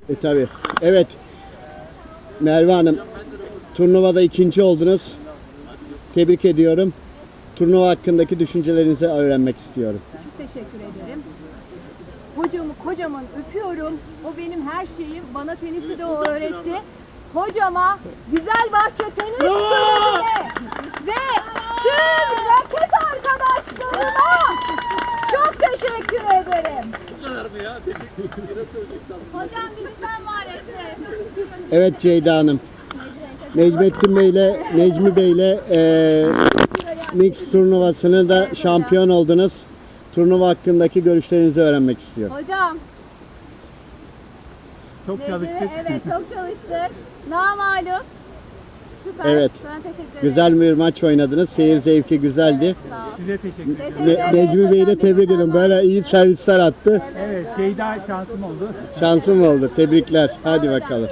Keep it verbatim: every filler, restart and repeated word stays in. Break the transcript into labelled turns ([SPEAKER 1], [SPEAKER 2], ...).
[SPEAKER 1] E tabi. Evet. Merve Hanım, turnuvada ikinci oldunuz. Tebrik ediyorum. Turnuva hakkındaki düşüncelerinizi öğrenmek istiyorum.
[SPEAKER 2] Çok teşekkür ederim. Hocamı kocaman öpüyorum. O benim her şeyim. Bana tenisi de o öğretti. Hocama, güzel bahçe tenis kulübüne ve tüm raket arkadaşlarıma çok teşekkür ederim. Hocam bizi sen var ettin.
[SPEAKER 1] Evet Ceyda Hanım. Necmettin Bey ile Necmi Bey ile e, mix turnuvasını da şampiyon oldunuz. Turnuva hakkındaki görüşlerinizi öğrenmek istiyorum.
[SPEAKER 2] Hocam.
[SPEAKER 3] Çok
[SPEAKER 2] Necmi,
[SPEAKER 3] çalıştık.
[SPEAKER 2] Evet çok çalıştık. Namalup. Süper.
[SPEAKER 1] Evet.
[SPEAKER 2] Sana teşekkür ederim.
[SPEAKER 1] Güzel bir maç oynadınız. Seyir zevki güzeldi.
[SPEAKER 2] Sağ ol.
[SPEAKER 3] Size teşekkür ederim.
[SPEAKER 2] Teşekkür
[SPEAKER 1] Ne,
[SPEAKER 2] ederim.
[SPEAKER 1] Necmi Bey'i de
[SPEAKER 2] Hocam,
[SPEAKER 1] tebrik
[SPEAKER 2] bizi
[SPEAKER 1] ederim.
[SPEAKER 2] sen
[SPEAKER 1] Böyle
[SPEAKER 2] var
[SPEAKER 1] iyi
[SPEAKER 2] ettin.
[SPEAKER 1] servisler attı.
[SPEAKER 3] Evet, Ceyda şansım oldu.
[SPEAKER 1] Şansım oldu. Tebrikler. Hadi bakalım.